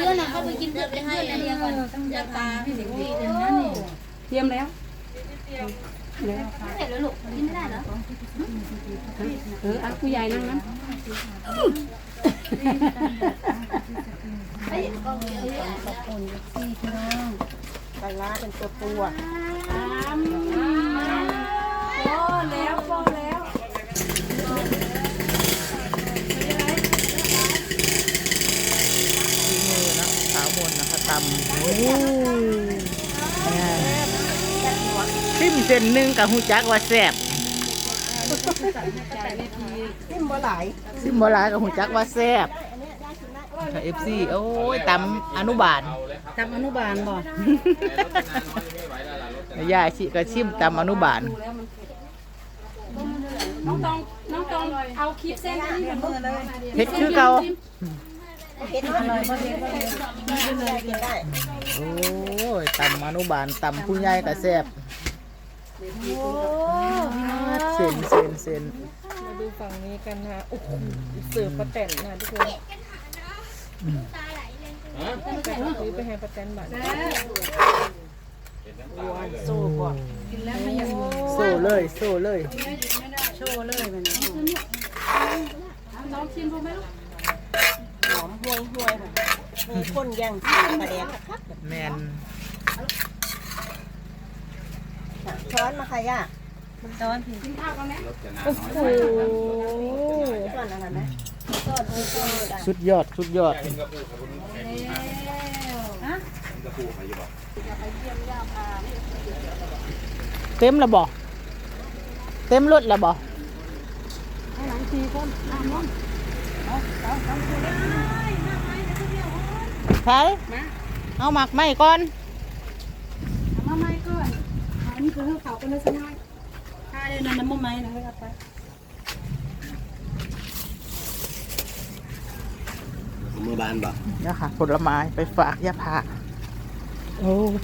พื่อนนะเขาไปกินเพื่อนไปให้อันเดียวก่อนต้องยาตาให้เด็กดีเดี๋ยวนั้นนี่เตรียมแล้วเสร็จแล้วลูกกินไม่ได้เหรอผู้ใหญ่นั่งนั้นไอ้กองเยอะขอบคุณพี่น้องปลาร้าเป็นตัวตัวพอแล้วพอแล้วมือนะสาวมนนะคะตำโอ้ซิมเส้นหนึ่งกับหูจักว่าแซ่บซิมบ่หลายซิมโบราณกับหูจักว่าแซ่บค่ะFC โอ้ยตำอนุบาลทำอนุบาลบ่ยายชิก็ชิมตำอนุบาลน้องตองเอาคลิปเส้นนี้กับมือเลยเผ็ดคือเก่าเผ็ดอร่อยบ่เผ็ดบ่เผ็ดกินเลยกินได้โอ้ยตำอนุบาลตำผู้ใหญ่ก็แซ่บเส้นมาดูฝั่งนี้กันนะโอ้โหเสิร์ฟป้าแตนนะทุกคนซื้อไปให้ป้าแตนบ้านโซ่บ่โซ่เลยโซ่เลยโชว์เลยมันน้องชิมดูไหมลูกหอมห่วยห่วยมีคนแย่งชิมปลาแดกคักแมนช้อนมาค่ะย่าช้อนพี่กินข้าวกันไหมโอ้โหช้อนอะไรไหมช้อนได้สุดยอดสุดยอดเต็มแล้วบ่เต็มรถแล้วบ่ใช่เอาหมักไหมก่อนมาไม้ก่อนอันนี้คือข้าวเขาเป็นเนื้อสันในถ้าเดี๋ยวน้ำไม้นะครับไปมือบานบ่เนี่ยค่ะผลไม้ไปฝากย่าพาโอ้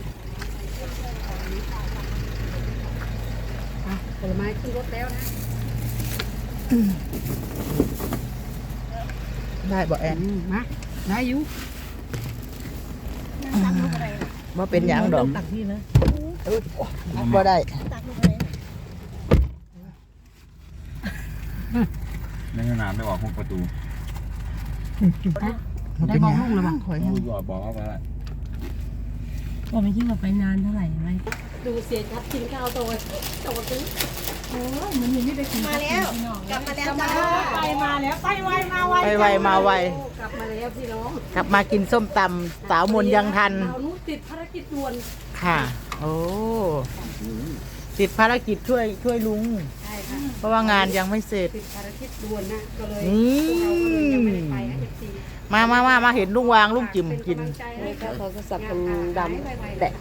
ผลไม้ขึ้นรถแล้วนะได้บ่แอนมาได้อยู่ว่าเป็นหยังดอกตักที่เลยบ่ได้ตักลงไปในขนาดไม่ออกพวกประตูได้มองลุ่งแล้วมั้งข่อยพูดบอกว่าก็ไม่คิดว่าไปนานเท่าไหร่ไหมดูเสียชัดกินข้าวโตซึ้งโอ้ยมันยังไม่ได้กินมาแล้วกลับมาแล้วจ้าไปมาแล้วไปไวมาไวไปไวมาไวกลับมาแล้วพี่น้องกลับมากินส้มตำสาวมนยังทันเรานุติดภารกิจด่วนค่ะ โอ้ติดภารกิจช่วยลุงใช่ค่ะเพราะว่างานยังไม่เสร็จติดภารกิจด่วนนะก็เลยนี่เราก็เลยยังไม่ได้ไปนะเอฟซีมาเห็นลุงวางลุงจิ๋มกินเขาก็สับเป็นดำแตะ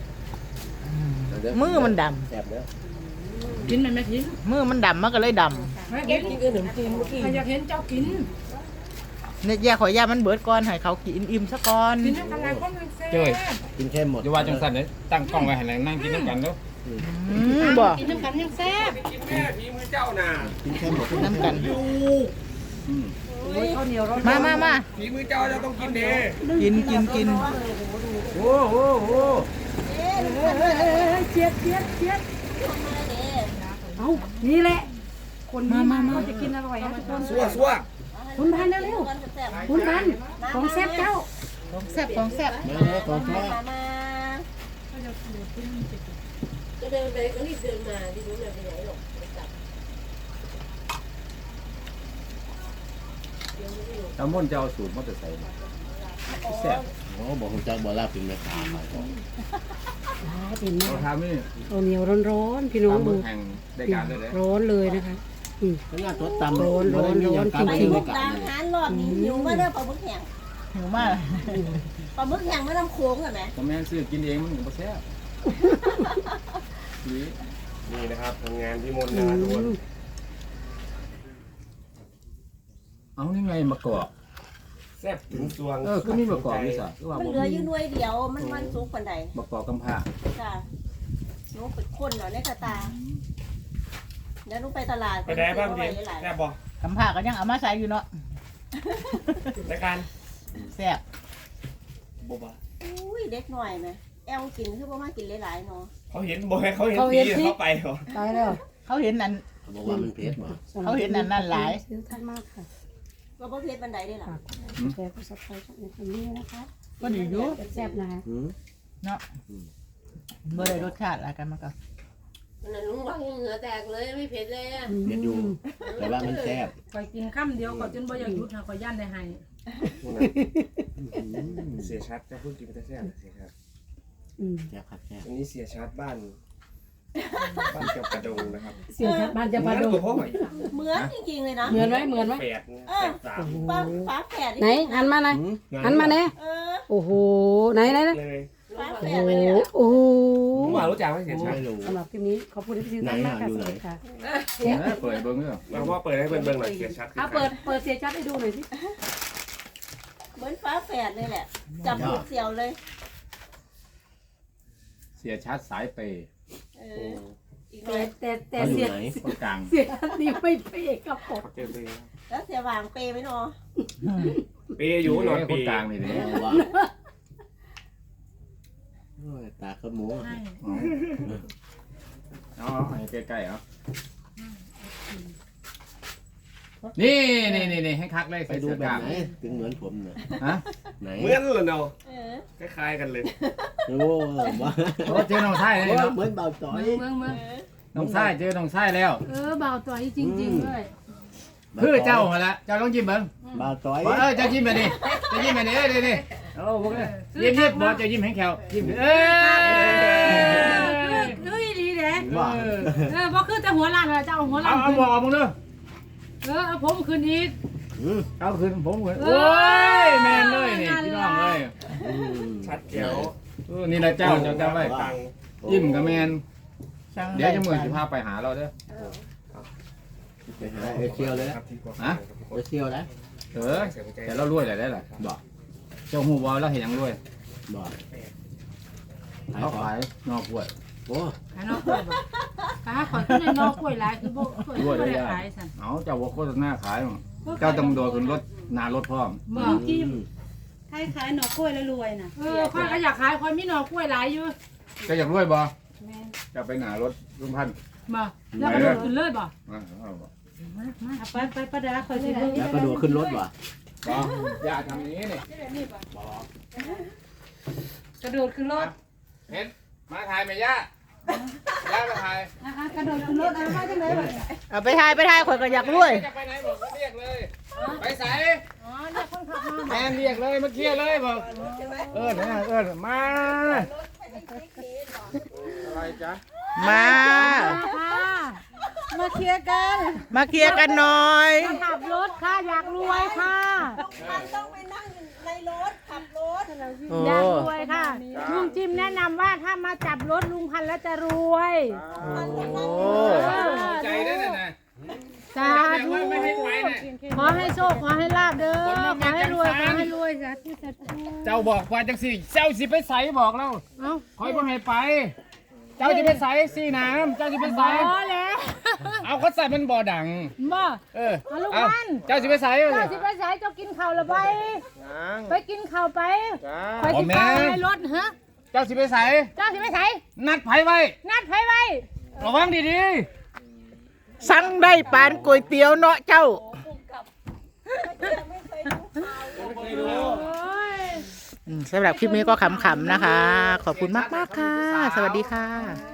มือมันดแสบเด้อกินมันไหมกินำมือมันดำมันก็เลยดเก็บกินขนมจีนเมื่อกี้ใครอยากเห็นเจ้ากินำเนี่ยแย่ขอย่ามันเบิดก่อนให้เขากินอิ่มซะก่อนกินน้ำกันหลายคนเลยแซ่เจ้ยกินแค่หมดอย่าว่าจังสันเลยตั้งกล้องไว้ให้แรงนั่งกินน้ำกันเด้อบอกกินน้ำกันยังแซ่บกินแค่หมดน้ำกันข้าวเหนียวร้อนมาฝีมือเจ้าจะต้องกินเด้กินโอ้โหเชียดเอานี่แหละคนนี้มาจะกินอร่อยนะทุกคนซัวคุณพันเร็วๆคุณพันของแซ่บเจ้าของแซ่บของแซ่บมาแล้วของแท้มาก็เดินไปก็รีบเดินมาที่รู้เดินไปไหนหรอกเจ้าม่นเจ้าสูตรมอเตอร์ไซค์แซ่บโอ้บอกคุณจักบ่ลาเป็นแม่ค้าขายของเราทำนี่ข้าวเหนียวร้อนๆพี่น้องตามดูเบอร์แห่งได้การเลยเด้ร้อนเลยนะคะขนาดตัวตำร้อนๆไปจริงมุกดาหารรอบนี้หิวมาเด้อปลาหมึกแห้งหิวมากปลาหมึกแห้งไม่น้ำโค้งเหรอแม่ก็แม่นซื้อกินเองมันก็แซ่บนี่นะครับทำงานที่มนนะทุกคนเอานี่ไงมะกอกแซ่บถึงสวงก็มีมะกอกนี่สิก็ว่ามันบ่เหลืออมียู่หน่วยเดียวมันสุกปานใดมะกอกกำพร้าจ้าหนูเป็นคนเหรอในกระตาเดี๋ยวหนูไปตลาดไปได้บ้างดิหลายแซ่บบ่คำผ่าก็ยังเอามาใส่อยู่เนาะรายการแซ่บบ่บ่อุ้ยเด็กหน่อยนะแอลกินคือบ่มากินหลายๆเนาะเขาเห็นบ่ให้เขาเห็นผีเขาไปเหรอตายแล้วเขาเห็นอันเขาบอกว่ามันเผ็ดบ่เขาเห็นอันนั้นหลายซื้อท่านมากค่ะก็บ่เผ็ดบันไดได้ล่ะแชร์ก็สับไครต์ในคำนี้นะคะก็ดีอยู่แซ่บนะคะเนาะบ่ได้รสชาติอะไรกันมาก่อนนั่นลุงว่าเหงื่อแตกเลยไม่เผ็ดเลยอ่ะเผ็ดอยู่แต่ว่ามันแซ่บคอยกินข้ามเดียวก่อนจนบ่อยากหยุดค่ะคอยย่านได้ให้เสียชัดจะพูดกินแต่แซ่บเสียชัดแซ่บครับแซ่บอันนี้เสียชัดบ้านเกี่ยวกระดงนะครับเสียชัดบ้านจะมาดูตัวพ่อใหม่เหมือนจริงๆเลยนะเหมือนไหมเหมือนไหมแปดเออสามฝาแฝดไหนหันมาไหนหันมาเนี่ยเออโอ้โหไหนเลยฝาแฝโอ้ดโหเลยเนี่ยโอ้โหผมว่ารู้จักไหมเสียชัดไม่รู้สำหรับคลิปนี้ขอบคุณที่ซื้อท่านมากค่ะสวัสดีค่ะเปิดเบิ้งเด้อมาพ่อเปิดให้เบิ่งหน่อยเสียชัดเอาเปิดเสียชัดให้ดูหน่อยสิเหมือนฝาแฝดเลยแหละ จับผูกเสี่ยวเลยเสียชัดสายเปย์เอออีกหน่อยแต่เขาอเสียู่ยไหนคนกลางเสียชัดนี่ไม่เปย์กับผมเจอเลยแล้วเสียวางเปไหมเนาะเปย์อยู่นอนคเปนย์กลางนี่เลยว่าโอ้ยตาขโมยเอาให้ใกล้ๆเอานี่ให้คักเลยไปใส่ดูเสื้อแบกบล้ามไหนถึงเหมือนผมน่ะฮะไหนเหมือนเลยเนาะเออคล้ายๆกันเลยโอ้ว่าโอ้เจอน้องชายเลยเนาะเหมือนเบาจ่อยเมืองเออน้องชายเจอน้องชายแล้วเบาต่อยจริงๆเลยคือเจ้ามาละเจ้าต้องยิ้มเบิ้งเบาจ่อยเจ้ายิ้มแบบนี้เจ้ายิ้มแบบนี้นี่โอ้พวกนี้ยิ้มบอกเจ้ายิ้มให้แขวยิ้มคือดีเด้ว่าเพราะคือแต่หัวล้านจะเอาหัวล้าเอานบอกมึงเด้อเอาผมคืนอีกเอาคืนผมคืนโอ้ยแมนเลยนี่พี่น้องเลยชัดแจ๋วนี่แหละเจ้าจำไว้ตังยิ้มกับแมนเดี๋ยวจะมือสิพาไปหาเราเด้อไปหาเอเชียวเลยครับที่กว่าฮะเอเชียวนะแต่เรารวยได้ล่ะบอกเจ้าหูบอลเราเห็นยังรวยบอกเขาขายนอกกล้วยโอ้ขายนอกกล้วยบ่ขายขอยขึ้นในนอกกล้วยหลายคือบ่กล้วยบ่ได้ขายสั่นเอาเจ้าว่าโฆษณาขายเจ้าต้องโดนขึ้นรถนารถพร้อมบ่กินขายหนอกกล้วยแล้วรวยน่ะค่อยก็อยากขายค่อยมีหนอกกล้วยหลายอยู่ก็อยากรวยบ่แม่นจะไปหนารถลุงพันธุ์บ่แล้วก็โดดขึ้นเลยบ่ ไปประดาคอยสิเบิ่งแล้วก็โดดขึ้นรถว่ะบอกอย่าทำอย่างนี้นี่กระโดดขึ้นรถเห็นมาถ่ายไหมย่าย่ามาถ่ายกระโดดขึ้นรถเอามาจังได๋บ่เอาไปทายข่อยก็อยากรวยจะไปไหนบอกเรียกเลย ไปใส่อ๋อเนี่ยคนขับมาแมนเรียกเลยมาเคลียร์เลยบอกมาอะไรจ๊ะมามาเคลียร์กันมาเคลียร์กันหน่อยขับรถค่ะอยากรวยค่ะมันต้องไปนั่งในรถขับรถโอ้อยากรวยค่ะลุงจิมแนะนำว่าถ้ามาจับรถลุงพันธุ์แล้วจะรวยโอ้ใจได้เลยนะสาธุขอให้โชคขอให้ลาบเด้อขอให้รวยสาธุสาธุเจ้าบอกว่าจังสิเจ้าสิไปใส่บอกเราเอ้าคอยบ่ให้ไป เจ้าจะไปใส่สีน้ำเจ้าจะไปใส่พอแล้วเอาเขาใส่มันบ่อดังบ่เออเอาลูกเอามันเจ้าสิไปใส่เจ้าสิไปสายเจ้ากินข้าวแล้วไปกินข้าวไปไปกินข้าวในรถฮะเจ้าสิไปใส่เจ้าสิไปไสนัดไผไว้นัดไผไว้ระวังดีสั่งได้ปานก๋วยเตี๋ยวเนาะเจ้า สำหรับคลิปนี้ก็ขำๆนะคะ ขอบคุณมากๆค่ะ สวัสดีค่ะ